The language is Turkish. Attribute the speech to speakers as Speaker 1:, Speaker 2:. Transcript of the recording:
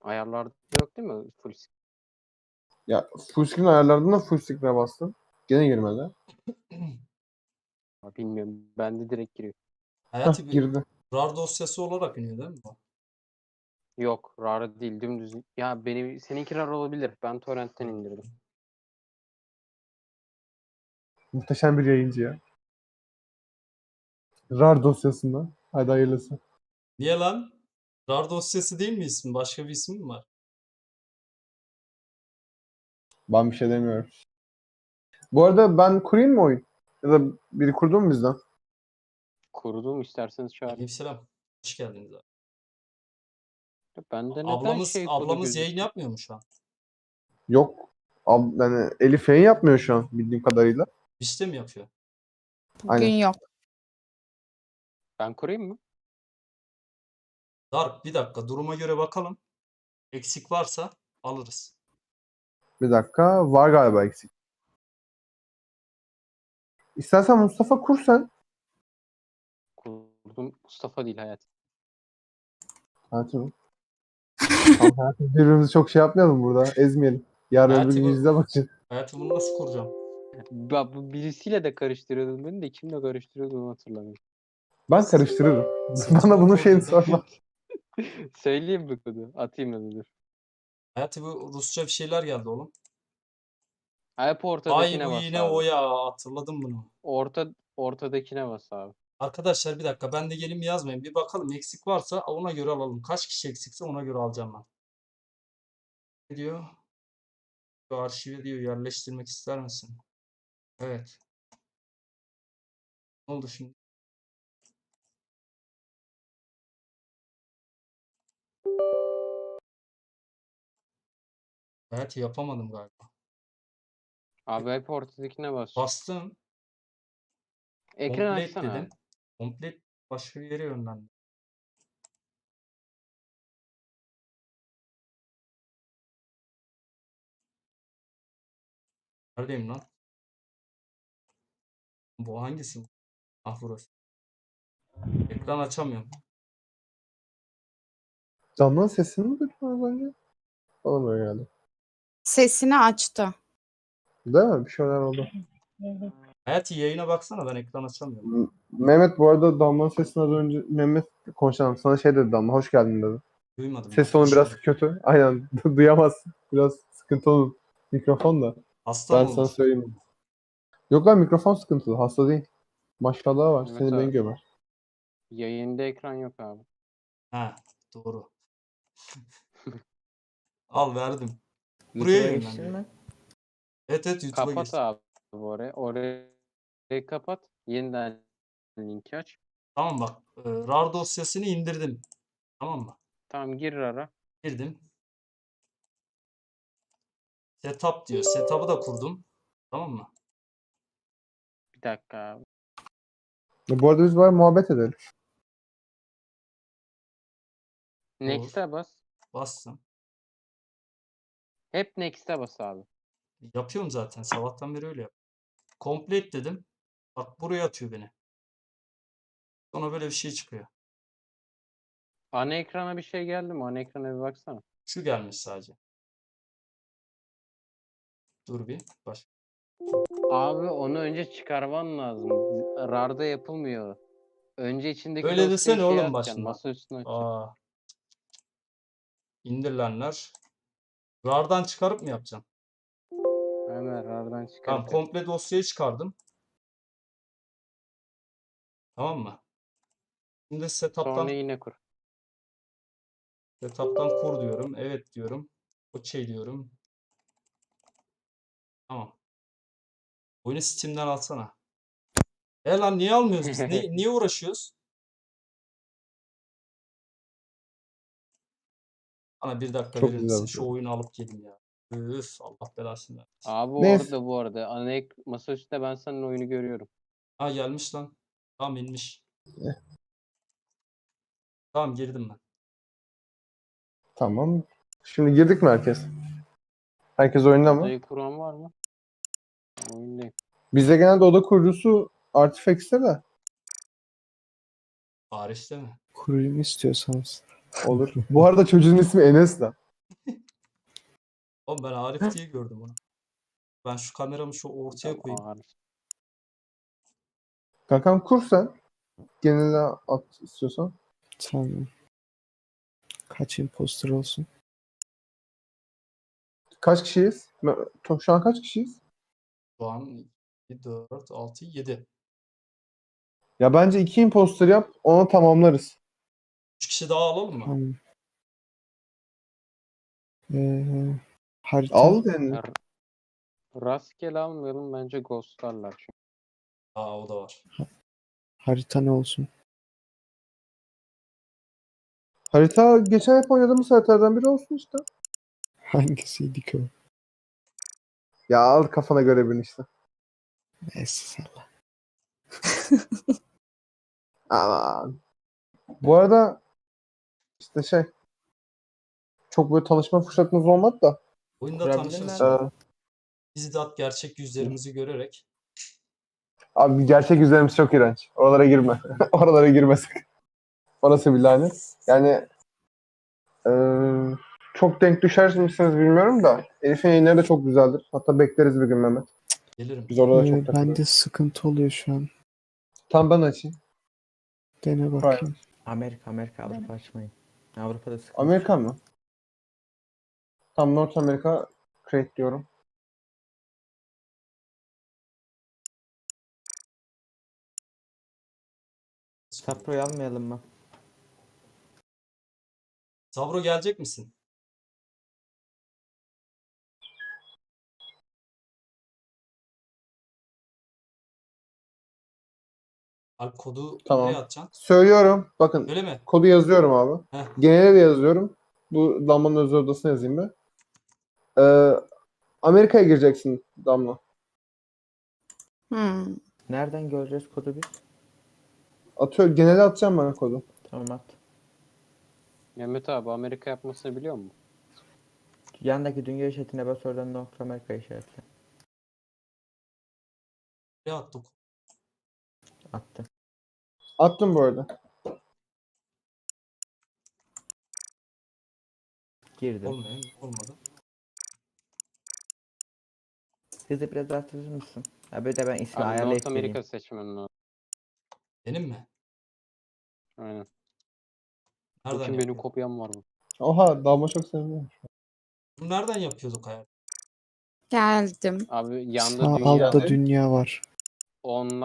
Speaker 1: Ayarlarda yok değil mi? Full screen.
Speaker 2: Ya full screen ayarlarından full screen'e bastım. Gene girmedi.
Speaker 1: Bilmiyorum. Bende direkt giriyor.
Speaker 3: Hayati bir
Speaker 2: Girdi.
Speaker 3: RAR dosyası olarak iniyor değil mi bu?
Speaker 1: Yok. RAR değil. Dümdüz. Ya seninki RAR olabilir. Ben torrentten indirdim.
Speaker 2: Muhteşem bir yayıncı ya. RAR dosyasında. Hadi hayırlısı.
Speaker 3: Niye lan? RAR dosyası değil mi ismi? Başka bir ismi mi var?
Speaker 2: Ben bir şey demiyorum. Bu arada ben kurayım mı oyun? Ya da biri kurdu mu bizden?
Speaker 1: Kurdum. İsterseniz çağırın.
Speaker 3: Aleykümselam. Hoş geldiniz abi.
Speaker 1: Bende neden
Speaker 3: Ablamız
Speaker 1: kodu
Speaker 3: yayın
Speaker 1: gözüküyor?
Speaker 3: yapmıyor mu şu an?
Speaker 2: Yok. Yani Elif yayın yapmıyor şu an bildiğim kadarıyla.
Speaker 3: Bizde mi yapıyor?
Speaker 4: Bugün
Speaker 2: Aynen.
Speaker 4: yok.
Speaker 1: Ben kurayım mı?
Speaker 3: Dark bir dakika duruma göre bakalım. Eksik varsa alırız.
Speaker 2: Bir dakika. Var galiba eksik. İstersen Mustafa kur sen.
Speaker 1: Kurdum. Mustafa değil Hayat.
Speaker 2: Hayatım. Tamam, hayatım. Birbirimizi çok şey yapmayalım burada. Ezmeyelim. Yarın öbür
Speaker 3: Hayati
Speaker 2: gün
Speaker 3: bu-
Speaker 2: yüzde bakın.
Speaker 3: Hayatı bunu nasıl kuracağım?
Speaker 1: Bu birisiyle de karıştırıyordum beni de kimle karıştırıyordum onu hatırlamıyorum.
Speaker 2: Ben karıştırırım.
Speaker 3: Saçma
Speaker 2: Bana bunun
Speaker 3: kurdu
Speaker 2: şeyini
Speaker 3: da.
Speaker 2: sorma.
Speaker 1: Söyleyeyim mi kodu? Atayım da dur.
Speaker 3: Hayati bu Rusça bir şeyler geldi oğlum.
Speaker 1: Hep
Speaker 3: Ay
Speaker 1: ortadakine
Speaker 3: bu
Speaker 1: bas
Speaker 3: yine
Speaker 1: abi.
Speaker 3: o ya, hatırladım bunu.
Speaker 1: Ortadakine bas abi.
Speaker 3: Arkadaşlar bir dakika, ben de gelin yazmayın. Bir bakalım, eksik varsa ona göre alalım. Kaç kişi eksikse ona göre alacağım ben. Ne diyor? Şu arşive diyor, yerleştirmek ister misin? Evet. Ne oldu şimdi? Evet, yapamadım galiba.
Speaker 1: Abi hep ortadakine bas.
Speaker 3: Bastım.
Speaker 1: Ekran
Speaker 3: Complete
Speaker 1: açsana
Speaker 3: dedim.
Speaker 1: abi.
Speaker 3: Complete başka bir yere yönlendi. Neredeyim lan? Bu hangisi? Ah, burası. Ekran açamıyorum.
Speaker 2: Canlı'nın sesini mi duydun az önce? Bana böyle geldi.
Speaker 4: Sesini açtı.
Speaker 2: Değil mi? Bir şeyler oldu.
Speaker 3: Hayati yayına baksana, ben ekran açamıyorum.
Speaker 2: Mehmet bu arada Damla'nın sesini az önce Mehmet konuşalım. Sana şey dedi Damla. Hoş geldin dedi.
Speaker 3: Duymadım
Speaker 2: Ses
Speaker 3: ben.
Speaker 2: tonu
Speaker 3: Hoş
Speaker 2: biraz
Speaker 3: bulduk.
Speaker 2: kötü. Aynen. Duyamazsın. Biraz sıkıntı olur. Mikrofon da.
Speaker 3: Hasta
Speaker 2: Ben
Speaker 3: mı
Speaker 2: sana
Speaker 3: olur?
Speaker 2: söyleyeyim. Yok lan mikrofon sıkıntılı. Hasta değil. Maşallah var.
Speaker 1: Evet
Speaker 2: Seni ben
Speaker 1: abi.
Speaker 2: gömer.
Speaker 1: Yayında ekran yok abi.
Speaker 3: Ha, doğru. Al, verdim. Buraya
Speaker 5: YouTube'a
Speaker 3: yönlendi.
Speaker 5: geçtin mi?
Speaker 3: Evet, YouTube'a
Speaker 1: Kapat
Speaker 3: geçtim.
Speaker 1: abi orayı. Orayı kapat. Yeniden linki aç.
Speaker 3: Tamam bak. RAR dosyasını indirdim. Tamam mı?
Speaker 1: Tamam gir ara.
Speaker 3: Girdim. Setup diyor. Setup'ı da kurdum. Tamam mı?
Speaker 1: Bir dakika abi.
Speaker 2: Bu arada biz var muhabbet edelim.
Speaker 1: Next'e bas.
Speaker 3: Bastım.
Speaker 1: Hep Next'e bas abi.
Speaker 3: Yapıyorum zaten. Sabahtan beri öyle yap. Complete dedim. Bak, buraya atıyor beni. Sonra böyle bir şey çıkıyor.
Speaker 1: Ana ekrana bir şey geldi mi? Ana ekrana bir baksana.
Speaker 3: Şu gelmiş sadece. Dur bir. Baş.
Speaker 1: Abi onu önce çıkarman lazım. RAR'da yapılmıyor. Önce içindeki
Speaker 3: Öyle
Speaker 1: dosyayı
Speaker 3: desene
Speaker 1: şeye
Speaker 3: oğlum
Speaker 1: atacaksın.
Speaker 3: başında.
Speaker 1: Masa üstüne atacaksın.
Speaker 3: Aa. İndirilenler. RAR'dan çıkarıp mı yapacağım?
Speaker 1: Hemen RAR'dan
Speaker 3: Tamam,
Speaker 1: çıkarıp yap.
Speaker 3: komple dosyayı çıkardım. Tamam mı? Şimdi
Speaker 1: Sonra yine kur.
Speaker 3: setup'tan kur diyorum. Evet diyorum. OK diyorum. Tamam. Oyunu Steam'den alsana. Lan niye almıyoruz biz? Niye uğraşıyoruz? Bana bir dakika
Speaker 2: Çok
Speaker 3: verir
Speaker 2: güzel
Speaker 3: misin?
Speaker 2: bir
Speaker 3: Şu
Speaker 2: şey.
Speaker 3: oyunu alıp gelin ya. Üf, Allah belasını versin.
Speaker 1: Abi
Speaker 2: Neyse.
Speaker 1: orada bu arada. Masa üstünde ben senin oyunu görüyorum.
Speaker 3: Ha, gelmiş lan. Tamam, inmiş. Tamam, girdim ben.
Speaker 2: Tamam. Şimdi girdik mi herkes? Herkes oyunda mı?
Speaker 1: Odayı kuran var mı? Oyundayım.
Speaker 2: Bizde genelde oda kurucusu Artifex'te de
Speaker 3: Paris'te mi?
Speaker 6: Kurayım istiyorsanız.
Speaker 2: olur. Bu arada çocuğun ismi Enes de.
Speaker 3: Oğlum ben Arif diye gördüm onu. Ben şu kameramı şu ortaya koyayım.
Speaker 1: Ağır.
Speaker 2: Kankam kur sen. Genele at istiyorsan.
Speaker 5: Tamam. Kaç imposter olsun?
Speaker 2: Kaç kişiyiz? Şu an kaç kişiyiz?
Speaker 3: Şu an 2, 4, 6, 7.
Speaker 2: Ya bence 2 imposter yap. Onu tamamlarız.
Speaker 3: 3 kişi daha alalım mı?
Speaker 5: Tamam. Harita.
Speaker 2: Al yani.
Speaker 1: R- Rastgele almayalım bence ghostlarlar çünkü.
Speaker 3: Aa o da var.
Speaker 5: Harita ne olsun?
Speaker 2: Harita geçen hep oynadığımız haritalardan biri olsun işte.
Speaker 5: Hangisiydi ki o?
Speaker 2: Ya al kafana göre birini işte.
Speaker 5: Neyse salla.
Speaker 2: Aman. Bu arada işte çok böyle tanışma fırsatımız olmadı da.
Speaker 3: Oyunda
Speaker 6: Kurabilir
Speaker 3: tanışırız.
Speaker 6: miyim?
Speaker 2: Ee,
Speaker 3: Bizzat gerçek yüzlerimizi görerek.
Speaker 2: abi gerçek yüzlerimiz çok iğrenç. Oralara girme. Oralara girmesin. Orası bir lanet. Yani çok denk düşer misiniz bilmiyorum da. Elif'in yayınları da çok güzeldir. Hatta bekleriz bir gün Mehmet.
Speaker 3: Gelirim.
Speaker 2: Biz orada da çok takılırız.
Speaker 5: Bende sıkıntı oluyor şu an.
Speaker 2: Tam ben açayım.
Speaker 5: Dene bakayım.
Speaker 6: Amerika, Avrupa açmayın. Avrupa'da sıkıntı.
Speaker 2: Amerika mı? Tam North America create diyorum.
Speaker 6: Sapro'yu almayalım mı?
Speaker 3: Sabro gelecek misin? Alp kodu
Speaker 2: Tamam.
Speaker 3: nereye atacaksın?
Speaker 2: Söylüyorum. Bakın
Speaker 3: Öyle mi?
Speaker 2: kodu yazıyorum abi.
Speaker 3: Heh.
Speaker 2: Genele de yazıyorum. Bu Damla'nın özel odasına yazayım ben. Amerika'ya gireceksin Damla.
Speaker 4: Hmm.
Speaker 6: Nereden göreceğiz kodu biz?
Speaker 2: Genele atacağım ben kodu.
Speaker 6: Tamam at.
Speaker 1: Mehmet abi Amerika yapmasını biliyor musun?
Speaker 6: Yandaki dünya işaretine bas, oradan North Amerika işaretle.
Speaker 3: Nereye attık?
Speaker 6: Attı.
Speaker 2: Attım bu arada.
Speaker 6: Girdi.
Speaker 3: Olmuyor. Olmadı.
Speaker 6: Hızı biraz arttırır mısın? Ya bir de ben ismi
Speaker 1: Abi
Speaker 6: ayarlayıp
Speaker 1: North
Speaker 6: geleyim.
Speaker 1: Amerika seçmem lazım.
Speaker 3: Benim mi?
Speaker 1: Aynen.
Speaker 3: Nereden
Speaker 1: Bakın benim
Speaker 3: yapıyor?
Speaker 1: kopyam var mı?
Speaker 2: Oha Damla çok seviniyorum.
Speaker 3: Bunu nereden yapıyorduk hayal?
Speaker 4: Geldim.
Speaker 1: Abi yanda
Speaker 5: Sağ
Speaker 1: dünya
Speaker 5: altta dünya var.
Speaker 1: online